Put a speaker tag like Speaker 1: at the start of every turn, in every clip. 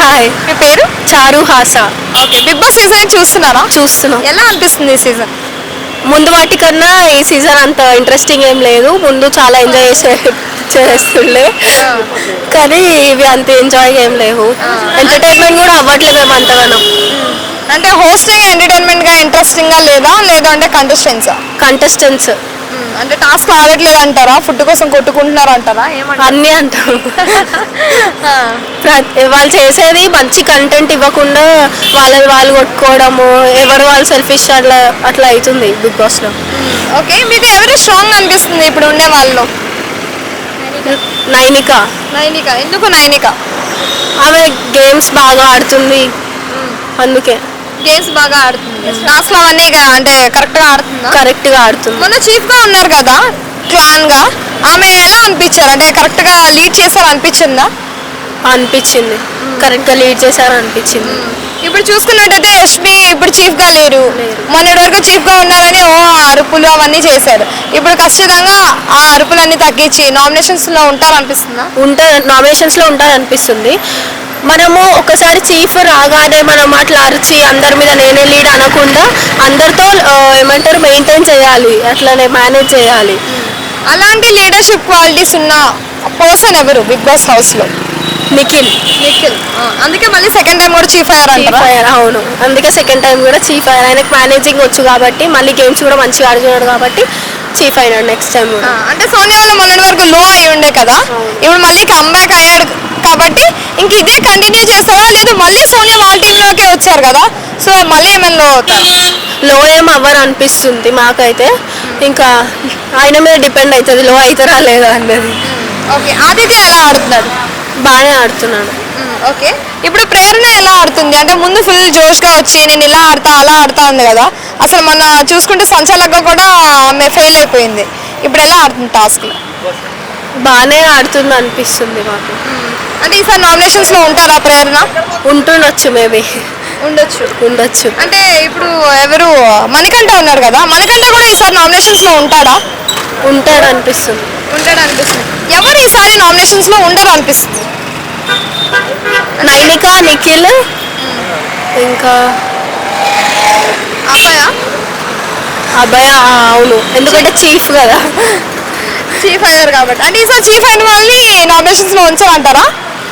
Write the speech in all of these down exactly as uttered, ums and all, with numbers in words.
Speaker 1: Hi,
Speaker 2: మీ పేరు?
Speaker 1: Charu Hasa.
Speaker 2: Okay, Bigg Boss season చూస్తున్నారా?
Speaker 1: చూస్తున్నాం.
Speaker 2: ఎలా అనిపిస్తుంది ఈ సీజన్?
Speaker 1: ముందు వాటి కన్నా ఈ సీజన్ అంత ఇంట్రెస్టింగ్ ఏం లేదు. ముందు చాలా ఎంజాయ్ చేసే చేస్తుండే, కానీ ఇవి అంత ఎంజాయ్ ఏం లేవు. ఎంటర్టైన్మెంట్ కూడా అవ్వట్లేదు మేము అంతగానం.
Speaker 2: అంటే హోస్టింగ్ ఎంటర్టైన్మెంట్ గా ఇంట్రెస్టింగ్ గా లేదా లేదు అంటే కంటెస్టెంట్సా?
Speaker 1: కంటెస్టెంట్స్
Speaker 2: అంటే టాస్క్ ఆడట్లేదు అంటారా? ఫుడ్ కోసం కొట్టుకుంటున్నారు అంటారా? ఏమంటారు?
Speaker 1: అన్నీ అంటారు. ప్రతి- వాళ్ళు చేసేది మంచి కంటెంట్ ఇవ్వకుండా వాళ్ళని వాళ్ళు కొట్టుకోవడము, ఎవరు వాళ్ళు సెల్ఫిష్ అట్లా అట్లా అవుతుంది బిగ్ బాస్ లో.
Speaker 2: ఓకే, మీకు ఎవరు స్ట్రాంగ్ అనిపిస్తుంది ఇప్పుడు ఉండే వాళ్ళలో?
Speaker 1: నైనిక.
Speaker 2: నైనిక. ఎందుకు నైనిక?
Speaker 1: ఆమె గేమ్స్ బాగా ఆడుతుంది, అందుకే.
Speaker 2: గేమ్స్ బాగా ఆడుతుంది, టాస్క్ అవన్నీ గా- అంటే కరెక్ట్ గా ఆడుతుందా?
Speaker 1: కరెక్ట్ గా ఆడుతుంది.
Speaker 2: మొన్న చీఫ్ గా ఉన్నారు కదా క్లాన్ గా, ఆమె ఎలా అనిపించారు? అంటే కరెక్ట్ గా లీడ్ చేశారు అనిపించిందా?
Speaker 1: అనిపించింది, కరెక్ట్ గా లీడ్ చేశారు అనిపించింది.
Speaker 2: ఇప్పుడు చూసుకున్నట్టయితే యష్మి ఇప్పుడు చీఫ్ గా లేరు. మొన్నటి వరకు చీఫ్ గా ఉన్నారని ఓ అరుపులు అవన్నీ చేశారు. ఇప్పుడు ఖచ్చితంగా ఆ అరుపులన్నీ తగ్గించి నామినేషన్స్ లో ఉంటారు అనిపిస్తుందా?
Speaker 1: ఉంటా నామినేషన్స్ లో ఉంటారు అనిపిస్తుంది. మనము ఒకసారి చీఫ్ రాగానే మనం అట్లా అరిచి అందరి మీద నేనే లీడ్ అనకుండా అందరితో ఆ, ఏమంటారు మెయింటైన్ చేయాలి, అట్లనే మేనేజ్ చేయాలి.
Speaker 2: అలాంటి లీడర్షిప్ క్వాలిటీస్ ఉన్న పర్సన్ ఎవరు బిగ్ బాస్ హౌస్ లో?
Speaker 1: నిఖిల్.
Speaker 2: నిఖిల్. అందుకే మళ్ళీ సెకండ్ టైం కూడా చీఫ్
Speaker 1: చీఫ్
Speaker 2: అయ్యారంటారా?
Speaker 1: అయ్యారు, అవును. అందుకే సెకండ్ టైం కూడా చీఫ్ అయ్యారు. ఆయనకు మేనేజింగ్ వచ్చు కాబట్టి, మళ్ళీ గేమ్స్ కూడా మంచిగా ఆడుతున్నాడు కాబట్టి చీఫ్ అయినాడు నెక్స్ట్ టైం కూడా.
Speaker 2: ఆ, అంటే సోనియా వాళ్ళు మొన్నటి వరకు లో అయి ఉండే కదా, ఇప్పుడు మళ్ళీ కమ్బ్యాక్ అయ్యాడు కాబట్టి ఇంక ఇదే కంటిన్యూ చేస్తారా లేదు మళ్ళీ సోనియా వాళ్ళ టీంలోకే వచ్చారు కదా, సో మళ్ళీ ఏమైనా లో అవుతారు?
Speaker 1: లో ఏం అవ్వరు అనిపిస్తుంది మాకైతే. ఇంకా ఆయన మీద డిపెండ్ అవుతుంది లో అవుతారా లేదా అన్నది.
Speaker 2: ఓకే, ఆదిత్య ఎలా ఆడుతున్నాడు?
Speaker 1: బాగానే ఆడుతున్నాడు.
Speaker 2: ఓకే, ఇప్పుడు ప్రేరణ ఎలా ఆడుతుంది? అంటే ముందు ఫుల్ జోష్గా వచ్చి నేను ఇలా ఆడతా అలా ఆడతా ఉంది కదా, అసలు మొన్న చూసుకుంటే సంచాలకంగా కూడా ఆమె ఫెయిల్ అయిపోయింది. ఇప్పుడు ఎలా ఆడుతుంది టాస్క్లో?
Speaker 1: బాగానే ఆడుతుంది అనిపిస్తుంది మాకు.
Speaker 2: అంటే ఈసారి నామినేషన్స్లో ఉంటారా ప్రేరణ?
Speaker 1: ఉంటుండొచ్చు, మేబీ
Speaker 2: ఉండొచ్చు.
Speaker 1: ఉండొచ్చు.
Speaker 2: అంటే ఇప్పుడు ఎవరు మణికంఠ ఉన్నారు కదా, మణికంఠ కూడా ఈసారి నామినేషన్స్లో ఉంటాడా?
Speaker 1: ఉంటాడు అనిపిస్తుంది.
Speaker 2: ఉంటాడు అనిపిస్తుంది. ఎవరు ఈసారి నామినేషన్స్లో ఉండరు అనిపిస్తుంది?
Speaker 1: నైనిక, నిఖిల్, ఇంకా
Speaker 2: అబ్బాయ
Speaker 1: అబ్బాయి. ఆ, అవును, ఎందుకంటే చీఫ్ కదా.
Speaker 2: చీఫ్ అయ్యారు కాబట్టి. అంటే ఈసారి చీఫ్ అయిన వాళ్ళని నామినేషన్స్లో ఉంచారంటారా?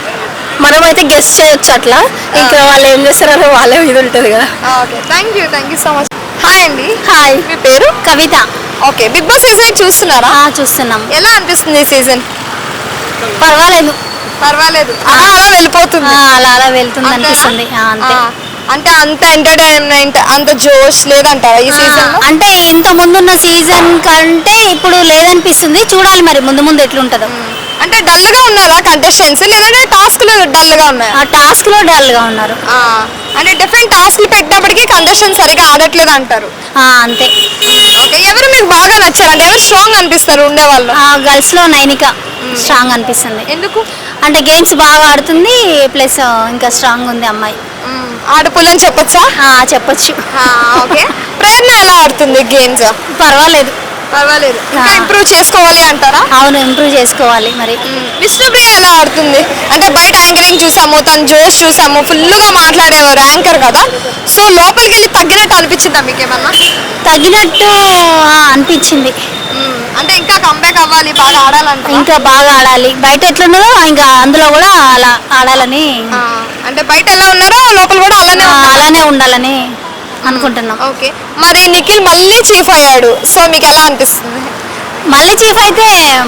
Speaker 1: మనం అయితే గెస్ట్ చేయొచ్చు అట్లా, ఇంకా వాళ్ళు ఏం చేస్తారో వాళ్ళే మీద ఉంటుంది కదా.
Speaker 2: Okay, thank you thank you so much. Hi అండి.
Speaker 1: హాయ్,
Speaker 2: మీ పేరు?
Speaker 1: Kavitha.
Speaker 2: Okay, Bigg Boss season చూస్తున్నారా?
Speaker 1: చూస్తున్నాం.
Speaker 2: ఎలా అనిపిస్తుంది ఈ సీజన్?
Speaker 1: పర్వాలేదు,
Speaker 2: పర్వాలేదు, అలా అలా వెళ్ళిపోతుంది.
Speaker 1: అలా అలా వెళ్తుంది
Speaker 2: అంతేనా?
Speaker 1: అనిపిస్తుంది. ఆ, అంతే.
Speaker 2: ఆ, అంటే అంత ఎంటర్టైన్మెంట్ అంత జోష్ లేదంటారా ఈ సీజన్?
Speaker 1: అంటే ఇంత ముందున్న సీజన్ కంటే ఇప్పుడు లేదనిపిస్తుంది. చూడాలి మరి ముందు ముందు ఎట్లుంటుందో.
Speaker 2: అంటే డల్ గా ఉన్నారా కంటెస్టెంట్స్ లేదంటే టాస్క్లు డల్ గా ఉన్నాయా?
Speaker 1: ఆ టాస్క్ లో డల్ గా ఉన్నారు.
Speaker 2: ఆ, అంటే డిఫరెంట్ టాస్క్లు పెట్టినప్పటికీ కంటెస్టెంట్స్ సరిగా ఆడట్లేదు అంటారు.
Speaker 1: ఆ, అంతే.
Speaker 2: ఓకే, ఎవరు మీకు బాగా నచ్చారు? అంటే ఎవరు స్ట్రాంగ్ అనిపిస్తారు ఉండేవాళ్ళు?
Speaker 1: గర్ల్స్ లో నైనిక స్ట్రాంగ్ అనిపిస్తుంది.
Speaker 2: ఎందుకు?
Speaker 1: అంటే గేమ్స్ బాగా ఆడుతుంది, ప్లస్ ఇంకా స్ట్రాంగ్ ఉంది అమ్మాయి.
Speaker 2: ఆడపుల్లని చెప్పొచ్చా?
Speaker 1: ఆ, చెప్పొచ్చు.
Speaker 2: ఓకే, ప్రేరణ ఎలా ఆడుతుంది గేమ్స్?
Speaker 1: పర్వాలేదు.
Speaker 2: పర్వాలేదు, ఇంకా
Speaker 1: ఆ.
Speaker 2: ఇంప్రూవ్ చేసుకోవాలి అంటారా?
Speaker 1: అవును, ఇంప్రూవ్ చేసుకోవాలి మరి.
Speaker 2: విష్ణుప్రియ ఎలా ఆడుతుంది? అంటే బయట యాంకరింగ్ చూసాము, తన జోష్ చూసాము, ఫుల్గా మాట్లాడేవారు యాంకర్ కదా, సో లోపలికి వెళ్ళి తగ్గినట్టు అనిపించిందా మీకేమన్నా?
Speaker 1: తగినట్టు ఆ, అనిపించింది.
Speaker 2: అంటే ఇంకా కంబ్యాక్ అవ్వాలి, బాగా ఆడాలంట.
Speaker 1: ఇంకా బాగా ఆడాలి. బయట ఎట్లున్నదో ఇంకా అందులో కూడా అలా ఆడాలని,
Speaker 2: అంటే బయట ఎలా ఉన్నారో లోపల కూడా అలానే
Speaker 1: ఆ,
Speaker 2: ఉండాలి.
Speaker 1: అలానే ఉండాలని అనుకుంటున్నాం.
Speaker 2: ఓకే, మరి నిఖిల్ మళ్ళీ చీఫ్ అయ్యాడు, సో మీకు ఎలా అనిపిస్తుంది?
Speaker 1: మళ్ళీ చీఫ్ అయితే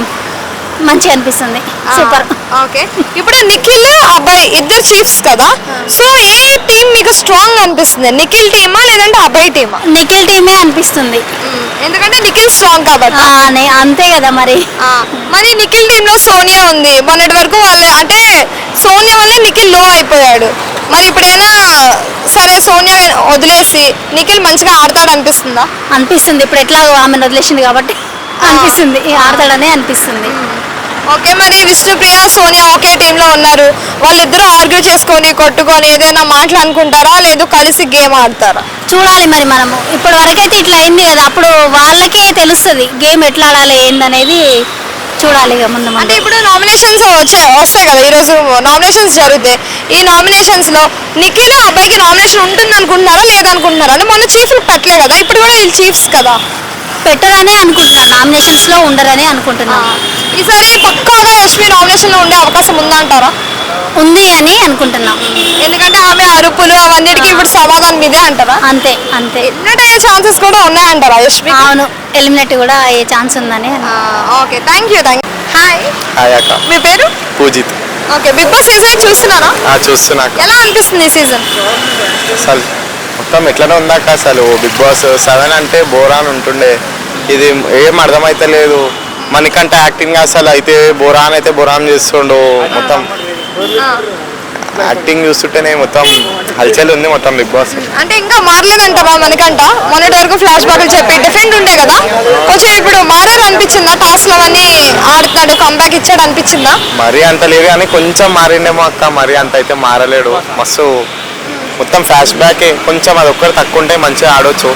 Speaker 1: మంచిగా అనిపిస్తుంది. సూపర్.
Speaker 2: ఓకే, ఇప్పుడు నిఖిల్ అబ్బాయి ఇద్దరు చీఫ్స్ కదా, సో ఏ టీం మీకు స్ట్రాంగ్ అనిపిస్తుంది? నిఖిల్ టీమా లేదంటే అబ్బాయి టీమా?
Speaker 1: నిఖిల్ టీమే అనిపిస్తుంది.
Speaker 2: ఎందుకంటే నిఖిల్ స్ట్రాంగ్ కాబట్టి.
Speaker 1: ఆ, నే- అంతే కదా మరి.
Speaker 2: ఆ, మరి నిఖిల్ టీంలో సోనియా ఉంది. మొన్నటి వరకు వాళ్ళు అంటే సోనియా వల్లే నిఖిల్ లో అయిపోయాడు. మరి ఇప్పుడైనా సరే సోనియా వదిలేసి నిఖిల్ మంచిగా ఆడతాడు అనిపిస్తుందా?
Speaker 1: అనిపిస్తుంది. ఇప్పుడు ఎట్లా ఆమెను వదిలేసింది కాబట్టి అనిపిస్తుంది, ఆడతాడనే అనిపిస్తుంది.
Speaker 2: ఓకే, మరి విష్ణుప్రియ సోనియా ఒకే టీంలో ఉన్నారు, వాళ్ళిద్దరూ ఆర్గ్యూ చేసుకొని కొట్టుకొని ఏదైనా మాట్లాడుకుంటారా లేదు కలిసి గేమ్ ఆడతారా?
Speaker 1: చూడాలి మరి మనము. ఇప్పటి వరకైతే ఇట్లా అయింది కదా, అప్పుడు వాళ్ళకే తెలుస్తుంది గేమ్ ఎట్లా ఆడాలి ఏందనేది
Speaker 3: చూడాలి ఇక ముందు
Speaker 2: అంటే
Speaker 3: ముందు.
Speaker 2: ఇప్పుడు నామినేషన్స్ వచ్చాయి వస్తాయి కదా ఈరోజు నామినేషన్స్ జరుగుతాయి. ఈ నామినేషన్స్ లో నిఖిల్ అబ్బాయికి నామినేషన్ ఉంటుంది అనుకుంటున్నారా లేదనుకుంటున్నారా? అంటే మొన్న చీఫ్లు పెట్టలే కదా, ఇప్పుడు కూడా వీళ్ళు చీఫ్స్ కదా.
Speaker 3: పెట్టరనే అనుకుంటున్నాను, నామినేషన్స్ లో ఉండరని అనుకుంటున్నాను.
Speaker 2: ఈసారి పక్కాగా యశ్వి నామినేషన్ లో ఉండే అవకాశం ఉందంటారా?
Speaker 3: ఉంది అని అనుకుంటున్నాం.
Speaker 2: ఎందుకంటే ఆమె అరుపులు అవన్నిటికీ ఇప్పుడు సమాధానం ఇదే అంటారా?
Speaker 3: అంతే అంతే.
Speaker 2: ఎన్నట అయ్యే ఛాన్సెస్ కూడా ఉన్నాయంటారా యశ్వి?
Speaker 3: అవును, ఎలిమినేట్ కూడా అయ్యే ఛాన్స్ ఉందని.
Speaker 2: Okay, thank you thank you. Hi,
Speaker 4: hi అక్క.
Speaker 2: మీ పేరు?
Speaker 4: Pujith.
Speaker 2: Okay, Bigg Boss season చూస్తున్నారా?
Speaker 4: ఆ, చూస్తున్నా అక్క.
Speaker 2: ఎలా అనిపిస్తుంది ఈ సీజన్?
Speaker 4: అసలు మొత్తం ఎట్లనే ఉందాక అసలు బిగ్ బాస్ సెవెన్ అంటే బోరాన్ ఉంటుండే, ఇది ఏం అర్థమైతలేదు. మనకంటే యాక్టింగ్ అసలు అయితే బోరాన్ అయితే బోరాన్ చేస్తుండు. మొత్తం యాక్టింగ్ చూస్తుంటేనే మొత్తం హల్చల్ ఉంది మొత్తం బిగ్ బాస్.
Speaker 2: అంటే ఇంకా మారలేదంటారా మనకంట? మొన్నటి వరకు ఫ్లాష్ బ్యాక్లు చెప్పి డిఫరెంట్ ఉండే కదా, కొంచెం ఇప్పుడు మారారు అనిపించిందా? టాస్క్ లో అన్ని ఆడుతున్నాడు, కంబ్యాక్ ఇచ్చాడు అనిపించిందా?
Speaker 4: మరీ అంత లేదు కానీ కొంచెం మారిండేమో అక్క, మరీ అంత అయితే మారలేడు. మస్తు మొత్తం ఫ్లాష్ బ్యాక్, కొంచెం అది ఒక్కటి తక్కువ ఉంటే మంచిగా ఆడొచ్చు.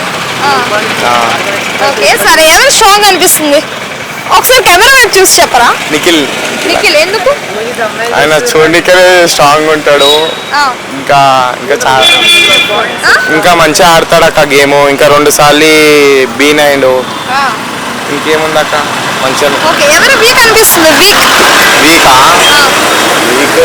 Speaker 2: ఓకే సరే, ఎవరు స్ట్రాంగ్ అనిపిస్తుంది? ఒకసారి కెమెరా వైపు చూసి చెప్పరా.
Speaker 4: నిఖిల్.
Speaker 2: నిఖిల్ ఎందుకు?
Speaker 4: ఆయన చూడనికే స్ట్రాంగ్ ఉంటాడు,
Speaker 2: ఆ,
Speaker 4: ఇంకా ఇంకా చాలా
Speaker 2: ఆ?
Speaker 4: ఇంకా మంచిగా ఆడతాడు అక్క గేమ్. ఇంకా రెండు సార్లు బీన్ అయిండు.
Speaker 2: ఆ.
Speaker 4: ఇంకేముందక్క మంచిగా.
Speaker 2: ఓకే, ఎవరు వీక్ అనిపిస్తుంది? వీక్
Speaker 4: వీకా వీక్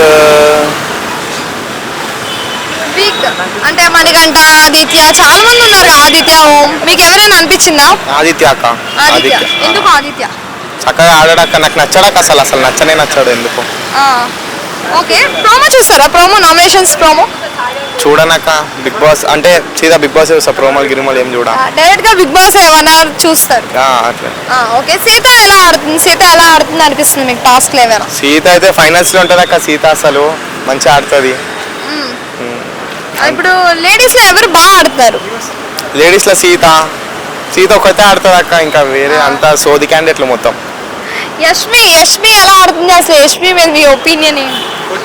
Speaker 2: వీక్ అంటే మణికంఠ, ఆదిత్య, చాలా మంది ఉన్నారు. ఆదిత్య, ఓం, మీకు ఎవరైనా అనిపించిందా?
Speaker 4: ఆదిత్య అక్క.
Speaker 2: ఆదిత్య
Speaker 4: ఆదిత్య
Speaker 2: ఎందుకు? ఆదిత్య
Speaker 4: చక్కగా ఆడాడక్క, నాకు నచ్చాడక్క అసలు అసలు నచ్చనే నచ్చాడు ఎందుకు.
Speaker 2: ఆ, ఓకే, ప్రోమో చూస్తారా? ప్రోమో, నామినేషన్స్ ప్రోమో
Speaker 4: చూడనక్క బిగ్ బాస్ అంటే సీదా బిగ్ బాస్ చూస్తా, ప్రోమోలు గిరిమోలు ఏం చూడ.
Speaker 2: డైరెక్ట్ గా బిగ్ బాస్ ఏమన్నా చూస్తారు?
Speaker 4: ఆ, అట్లే.
Speaker 2: ఆ, ఓకే, సీత ఎలా ఆడుతుంది? సీత ఎలా ఆడుతుంది అనిపిస్తుంది మీకు టాస్క్ ఏమైనా?
Speaker 4: సీత అయితే ఫైనల్స్ లో ఉంటుంది అక్క. సీత అసలు మంచిగా ఆడుతుంది.
Speaker 2: ఇప్పుడు లేడీస్ లో ఎవరు బాగా ఆడుతున్నారు?
Speaker 4: లేడీస్ లో సీత సీత ఒకతే ఆడుతుంది అక్క, ఇంకా వేరే అంతా సోది క్యాండిడేట్లు మొత్తం.
Speaker 2: యష్మి యష్మి ఎలా ఆడుతుంది అసలు? యష్మి మీద మీ ఒపీనియన్ ఏంటి?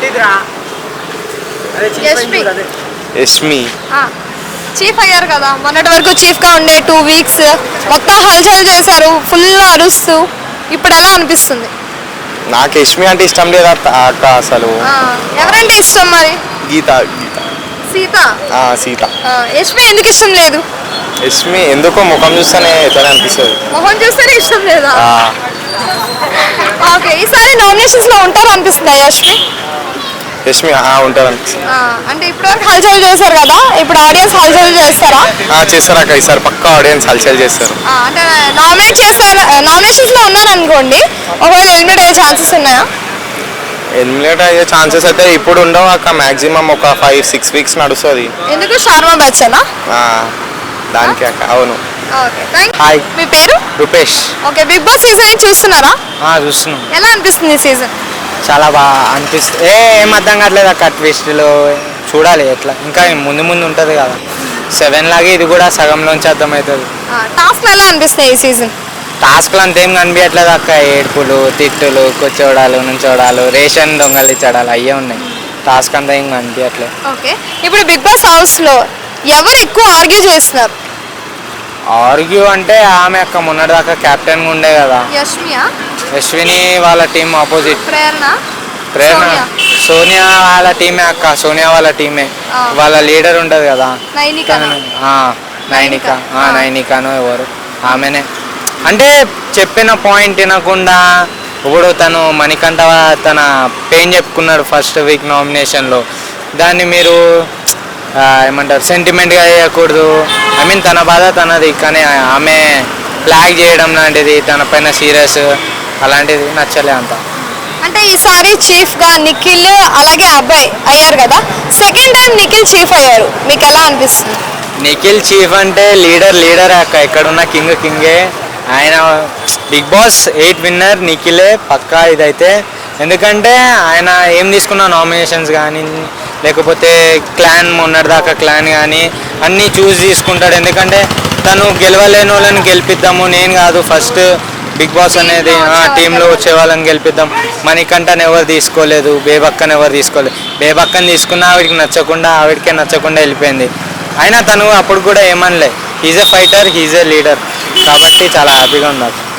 Speaker 2: యష్మి
Speaker 4: యష్మి
Speaker 2: చీఫ్ అయ్యారు కదా, మొన్నటి వరకు చీఫ్ గా ఉండే టూ వీక్స్ మొత్తం హల్చల్ చేశారు, ఫుల్ అరుస్తూ. ఇప్పుడు ఎలా అనిపిస్తుంది?
Speaker 4: నాకు యష్మి అంటే ఇష్టం లేదు అక్క అక్క అసలు.
Speaker 2: ఆ, ఎవరంటే ఇష్టం మరి?
Speaker 4: గీత గీత
Speaker 2: సీత.
Speaker 4: ఆ, సీత.
Speaker 2: ఆ, యష్మి ఎందుకు ఇష్టం లేదు?
Speaker 4: యష్మి ఎందుకో ముఖం చూస్తేనే ఎట్లా అనిపిస్తుంది.
Speaker 2: మొహం చూస్తేనే ఇష్టం లేదా?
Speaker 4: ఆ,
Speaker 2: ఓకే, ఈసారి నామినేషన్స్ లో ఉంటారు అనిపిస్తుందా యష్మి?
Speaker 4: యష్మి ఆ, ఉంటారు అనిపిస్తుంది.
Speaker 2: ఆ, అంటే ఇప్పుడు వరకు హల్చల్ చేశారు కదా, ఇప్పుడు ఆడియన్స్ హల్చల్ చేస్తారా?
Speaker 4: ఆ, చేస్తారు అక్క, ఈసారి పక్కా ఆడియన్స్ హల్చల్ చేస్తారు.
Speaker 2: ఆ, అంటే నామినేట్ చేశారు, నామినేషన్స్ లో ఉన్నారు అనుకోండి, ఒకవేళ ఎలిమినేట్ అయ్యే ఛాన్సెస్ ఉన్నాయా?
Speaker 4: ఎలిమినేట్ అయ్యే ఛాన్సెస్ అయితే ఇప్పుడు ఉండవు అక్క, మాక్సిమం ఒక ఫైవ్ సిక్స్ వీక్స్ నడుస్తుంది.
Speaker 2: ఎందుకు? షార్మా బచ్చనా?
Speaker 4: దానికి అక్క. అవును.
Speaker 2: Okay, thank you.
Speaker 4: హాయ్.
Speaker 2: మీ పేరు?
Speaker 4: Rupesh.
Speaker 2: Okay, Bigg Boss season చూస్తున్నారా?
Speaker 5: చూస్తున్నాం.
Speaker 2: ఎలా అనిపిస్తుంది ఈ సీజన్?
Speaker 5: చాలా బాగా అనిపిస్తుంది. ఏ ఏం అర్థం కావట్లేదు అక్క, ట్విస్ట్లో చూడాలి ఎట్లా, ఇంకా ముందు ముందు ఉంటుంది కదా. సెవెన్ లాగే ఇది కూడా సగంలోంచి అర్థమవుతుంది.
Speaker 2: టాస్క్ ఎలా అనిపిస్తాయి ఈ సీజన్?
Speaker 5: టాస్క్లు అంతేం కనిపించట్లేదు అక్క, ఏడుపులు, తిట్టులు, కూర్చోడాలు, నుంచోడాలు, రేషన్ దొంగలిచ్చడాలు అయ్యే ఉన్నాయి. టాస్క్ అంతా ఏం కనిపించట్లేదు.
Speaker 2: ఓకే, ఇప్పుడు బిగ్ బాస్ హౌస్ లో ఎవరు ఎక్కువ ఆర్గ్యూ చేస్తున్నారు?
Speaker 5: ఆర్గ్యూ అంటే ఆమె అక్క మొన్నటిదాకా కెప్టెన్గా ఉండే కదా,
Speaker 2: యష్మియా?
Speaker 5: అశ్విని వాళ్ళ టీం ఆపోజిట్.
Speaker 2: ప్రేరణ?
Speaker 5: ప్రేరణ
Speaker 2: సోనియా?
Speaker 5: సోనియా వాళ్ళ టీమే అక్క, సోనియా వాళ్ళ టీమే.
Speaker 2: ఆ.
Speaker 5: వాళ్ళ లీడర్ ఉంటుంది కదా,
Speaker 2: నైనికనా?
Speaker 5: ఆ, నైనిక. ఆ,
Speaker 2: ఆ.
Speaker 5: నైనికను ఎవరు ఆమెనే. అంటే చెప్పిన పాయింట్ వినకుండా ఇప్పుడు తను మణికంఠ తన పెయిన్ చెప్పుకున్నాడు ఫస్ట్ వీక్ నామినేషన్లో, దాన్ని మీరు ఆ, ఏమంటారు సెంటిమెంట్గా చేయకూడదు. ఐ మీన్ తన బాధ తనది, కానీ ఆమె ఫ్లాగ్ చేయడం లాంటిది, తన పైన సీరియస్ అలాంటిది నచ్చలే అంత.
Speaker 2: అంటే ఈసారి చీఫ్ గా నిఖిల్ అలాగే అబ్బాయి అయ్యారు కదా, సెకండ్ టైం నిఖిల్ చీఫ్ అయ్యారు, మీకు ఎలా అనిపిస్తుంది?
Speaker 5: నిఖిల్ చీఫ్ అంటే లీడర్ లీడర్ అక్క, ఎక్కడున్న కింగ్ కింగే ఆయన. బిగ్ బాస్ ఎయిట్ విన్నర్ నిఖిలే పక్కా ఇదైతే. ఎందుకంటే ఆయన ఏం తీసుకున్న నామినేషన్స్ కానీ లేకపోతే క్లాన్ మొన్నటిదాకా క్లాన్ కానీ అన్నీ చూస్ తీసుకుంటాడు. ఎందుకంటే తను గెలవలేని వాళ్ళని గెలిపిద్దాము, నేను కాదు ఫస్ట్ బిగ్ బాస్ అనేది టీంలో వచ్చే వాళ్ళని గెలిపిద్దాం. మణికంఠని ఎవరు తీసుకోలేదు, బేబక్కని ఎవరు తీసుకోలేదు. బేబక్కని తీసుకున్న ఆవిడకి నచ్చకుండా ఆవిడకే నచ్చకుండా వెళ్ళిపోయింది. అయినా తను అప్పుడు కూడా ఏమనలే, he's a fighter, he's a leader, కాబట్టి చాలా హ్యాపీగా ఉంది.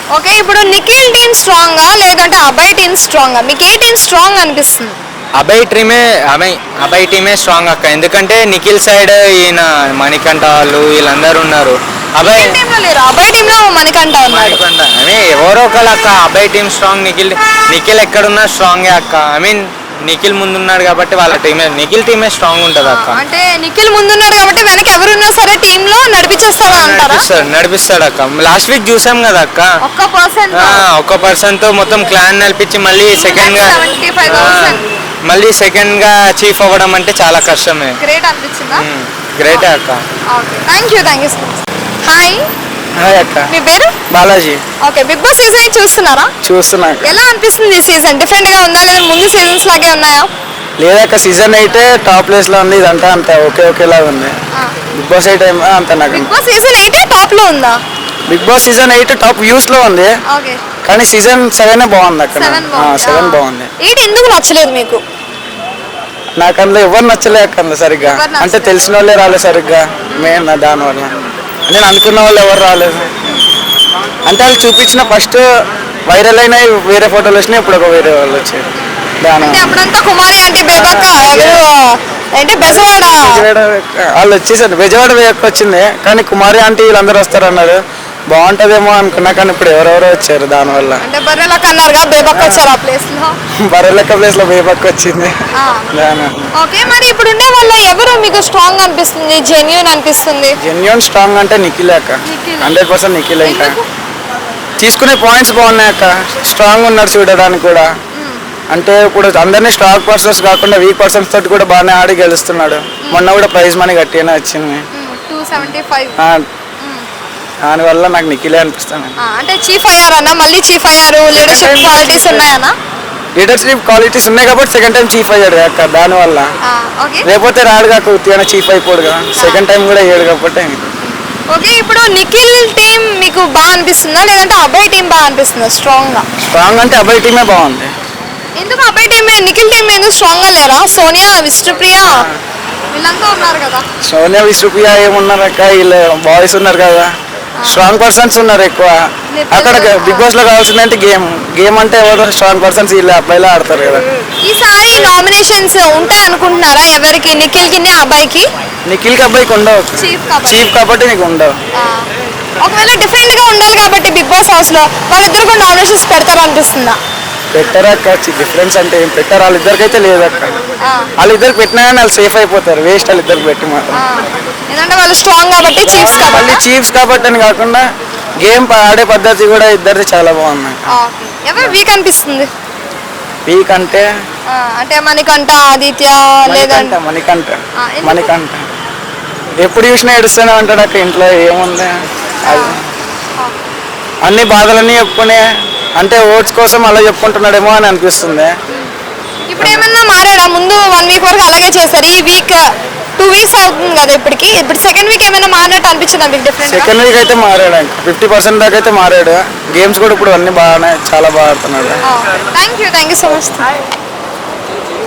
Speaker 2: ఓకే ఇప్పుడు నిఖిల్ టీమ్ స్ట్రాంగా లేదంటే అభయ్ టీమ్ స్ట్రాంగా? మీకు ఏ టీమ్ స్ట్రాంగ్ అనిపిస్తుంది?
Speaker 5: అభయ్ టీమే అభయ్ అభయ్ టీమే స్ట్రాంగ్ అక్క. ఎందుకంటే నిఖిల్ సైడ్ ఈయన మణికంఠ వాళ్ళు వీళ్ళందరూ ఉన్నారు. అభయ్
Speaker 2: నిఖిల్ టీంలో లేరు, అభయ్ టీంలో మణికంఠ ఉన్నాడు.
Speaker 5: మణికంఠ ఐ మీన్ ఎవరో ఒకళ్ళు అక్క. అభయ్ టీమ్ స్ట్రాంగ్, నిఖిల్ నిఖిల్ ఎక్కడున్నా స్ట్రాంగే అక్క. ఐ మీన్ నిఖిల్ ముందున్నాడు కాబట్టి వాళ్ళ టీమే నిఖిల్ టీమే స్ట్రాంగ్ ఉంటుంది అక్క.
Speaker 2: అంటే నిఖిల్ ముందున్నాడు కాబట్టి వెనక ఎవరున్నా సరే టీమ్ లో నడిపించేస్తాడా అంటారా?
Speaker 5: నడిపిస్తాడు నడిపిస్తాడు అక్క. లాస్ట్ వీక్ చూసాం కదా అక్క,
Speaker 2: ఒక్క పర్సన్
Speaker 5: ఆ, ఒక్క పర్సన్ తో మొత్తం క్లాన్ నడిపించి మళ్ళీ సెకండ్ గా
Speaker 2: సెవెంటీ ఫైవ్ థౌసండ్
Speaker 5: మళ్ళీ సెకండ్ గా చీఫ్ అవ్వడం అంటే చాలా కష్టమే.
Speaker 2: గ్రేట్ అనిపించిందా?
Speaker 5: గ్రేట్ అక్క.
Speaker 2: Okay thank you thank you so much. Hi
Speaker 6: hi అక్క.
Speaker 2: మీ పేరు?
Speaker 6: Balaji.
Speaker 2: Okay Bigg Boss season చూస్తున్నారా?
Speaker 6: చూస్తున్నా.
Speaker 2: ఎలా అనిపిస్తుంది ఈ సీజన్? డిఫరెంట్ గా ఉందా లేదా ముందు సీజన్స్ లాగే ఉన్నాయా?
Speaker 6: లేదక్క, సీజన్ అయితే టాప్ ప్లేస్ లో ఉంది. ఇదంతా అంత ఓకే ఓకేలాగా ఉంది. బిగ్ బాస్ ఎయిట్ ఏమో అంత నాకు.
Speaker 2: Bigg Boss season eight top లో ఉందా?
Speaker 6: Bigg Boss season eight top views లో ఉంది,
Speaker 2: ఓకే
Speaker 6: కానీ సీజన్ సెవెన్ బాగుంది అక్కడ.
Speaker 2: సెవెన్
Speaker 6: సెవెన్ బాగుంది.
Speaker 2: ఎయిట్ ఎందుకు నచ్చలేదు మీకు?
Speaker 6: నాకు అందులో ఎవరు నచ్చలే అక్క అందులో సరిగ్గా.
Speaker 2: ఎవరు నచ్చలేదు?
Speaker 6: అంటే తెలిసిన వాళ్ళే రాలేదు సరిగ్గా మెయిన్ దానివల్ల. నేను అనుకున్న వాళ్ళు ఎవరు రాలేదు. అంటే వాళ్ళు చూపించిన ఫస్ట్ వైరల్ అయినాయి వేరే ఫోటోలు వచ్చినాయి, ఇప్పుడు ఒక వేరే వాళ్ళు వచ్చారు. దాని
Speaker 2: అంటే అప్పుడంతా కుమారి అంటే బేబక్క ఎవరు అంటే బెజవాడ
Speaker 6: బెజవాడ వాళ్ళు వచ్చేసారు. బెజవాడ వేయకు వచ్చింది, కానీ కుమారి ఆంటీ వీళ్ళందరూ వస్తారన్నారు. బాగుంటదేమో అనుకున్నా, కానీ ఇప్పుడు ఎవరెవరో వచ్చారు దానివల్ల.
Speaker 2: అంటే బర్రెలక్క అన్నారుగా బేబక్క వచ్చారు ఆ ప్లేస్ లో.
Speaker 6: బర్రెలెక్క ప్లేస్ లో బేబక్ వచ్చింది. దాని
Speaker 2: ఓకే మరి ఇప్పుడు ఉండే వాళ్ళ ఎవరు మీకు స్ట్రాంగ్ అనిపిస్తుంది, జెన్యూన్ అనిపిస్తుంది?
Speaker 6: జెన్యున్ స్ట్రాంగ్ అంటే నిఖిల్ అక్క.
Speaker 2: నిఖిల్.
Speaker 6: Hundred percent Nikhil. ఇంకా
Speaker 2: ఎందుకు?
Speaker 6: తీసుకునే పాయింట్స్ బాగున్నాయి అక్క. స్ట్రాంగ్ ఉన్నారు చూడడానికి కూడా. అంటే ఇప్పుడు అందరినీ స్ట్రాంగ్ పర్సన్స్ కాకుండా వీక్ పర్సన్స్ తోటి కూడా బాగానే ఆడి గెలుస్తున్నాడు. మొన్న కూడా ప్రైజ్ మనీ గట్టిగానే వచ్చింది.
Speaker 2: టూ సెవెంటీ ఫైవ్
Speaker 6: ఆ, దానివల్ల నాకు నిఖిలే అనిపిస్తాను.
Speaker 2: అంటే చీఫ్ అయ్యారన్నా, మళ్ళీ చీఫ్ అయ్యారు. లీడర్షిప్ క్వాలిటీస్ ఉన్నాయన్నా?
Speaker 6: లీడర్షిప్ క్వాలిటీస్ ఉన్నాయి కాబట్టి సెకండ్ టైం చీఫ్ అయ్యాడు అక్క. దానివల్ల
Speaker 2: ఓకే
Speaker 6: లేకపోతే రాడు కాక ఉత్తిగా చీఫ్ అయిపోడు కదా. సెకండ్ టైం కూడా అయ్యాడు కాబట్టి.
Speaker 2: ఓకే ఇప్పుడు నిఖిల్ టీం మీకు బాగా అనిపిస్తుందా లేదంటే అభయ్ టీం బాగా అనిపిస్తుందా స్ట్రాంగ్ గా?
Speaker 6: స్ట్రాంగ్ అంటే అబ్బాయి టీమే బాగుంది.
Speaker 2: ఎందుకు అభయ్ టీం నిఖిల్ టీం ఎందుకు స్ట్రాంగ్ గా లేరా? సోనియా, విష్ణుప్రియ వీళ్ళంతా ఉన్నారు కదా.
Speaker 6: సోనియా, విష్ణుప్రియ ఏమున్నారు అక్క, వీళ్ళు బాయ్స్ ఉన్నారు కదా. స్ట్రాంగ్ పర్సన్స్ ఉన్నారు ఎక్కువ అక్కడ. బిగ్ బాస్ లో కావాల్సిందంటే గేమ్ గేమ్ అంటే ఎవరు స్ట్రాంగ్ పర్సన్స్ వీళ్ళు అబ్బాయిలా ఆడతారు కదా.
Speaker 2: ఈసారి నామినేషన్స్ ఉంటాయి అనుకుంటున్నారా? ఎవరికి? నిఖిల్ కి, అబ్బాయికి?
Speaker 6: నిఖిల్ కి అబ్బాయికి ఉండవు.
Speaker 2: చీఫ్ కాబట్టి
Speaker 6: చీఫ్ కాబట్టి నీకు ఉండవు.
Speaker 2: ఒకవేళ డిఫరెంట్ గా ఉండాలి కాబట్టి బిగ్ బాస్ హౌస్ లో వాళ్ళిద్దరు కూడా నామినేషన్స్ పెడతారు అనిపిస్తుందా?
Speaker 6: పెట్టరా అక్క, డిఫరెన్స్ అంటే ఏం పెట్టారు? వాళ్ళిద్దరికైతే లేదు అక్క. వాళ్ళిద్దరికి పెట్టినా కానీ వాళ్ళు సేఫ్ అయిపోతారు. వేస్ట్ వాళ్ళిద్దరికి పెట్టి మాత్రం.
Speaker 2: ఎందుకంటే వాళ్ళు స్ట్రాంగ్ కాబట్టి చీఫ్స్
Speaker 6: మళ్ళీ
Speaker 2: కాబట్టి.
Speaker 6: చీఫ్స్ కాబట్టి అని కాకుండా గేమ్ ఆడే పద్ధతి కూడా ఇద్దరిది చాలా బాగుంది.
Speaker 2: ఎవరు వీక్ అనిపిస్తుంది?
Speaker 6: వీక్ అంటే
Speaker 2: అంటే మణికంఠ, ఆదిత్య
Speaker 6: మణికంఠ.
Speaker 2: లేదంటే
Speaker 6: మణికంఠ
Speaker 2: ఆ, ఎందుకు?
Speaker 6: మణికంఠ ఎప్పుడు చూసినా ఏడుస్తూనే ఉంటాడు అక్క. ఇంట్లో ఏముంది అది. అన్ని బాధలన్నీ చెప్పుకునే అంటే ఓట్స్ కోసం అలా చెప్పుకుంటున్నాడేమో అని అనిపిస్తుంది.
Speaker 2: ఇప్పుడు ఏమన్నా మారాడా? ముందు వన్ వీక్ వరకు అలాగే చేశారు. ఈ వీక్ టూ వీక్స్ అవుతుంది కదా ఇప్పటికి. ఇప్పుడు సెకండ్ వీక్ ఏమైనా మారినట్టు అనిపించిందా మీకు డిఫరెంట్?
Speaker 6: సెకండ్ వీక్ అయితే మారాడు. ఇంకా ఫిఫ్టీ పర్సెంట్ దాకా అయితే మారాడు. గేమ్స్ కూడా ఇప్పుడు అన్ని బాగానే చాలా బాగా ఆడుతున్నాడు.
Speaker 2: Thank you thank you so much.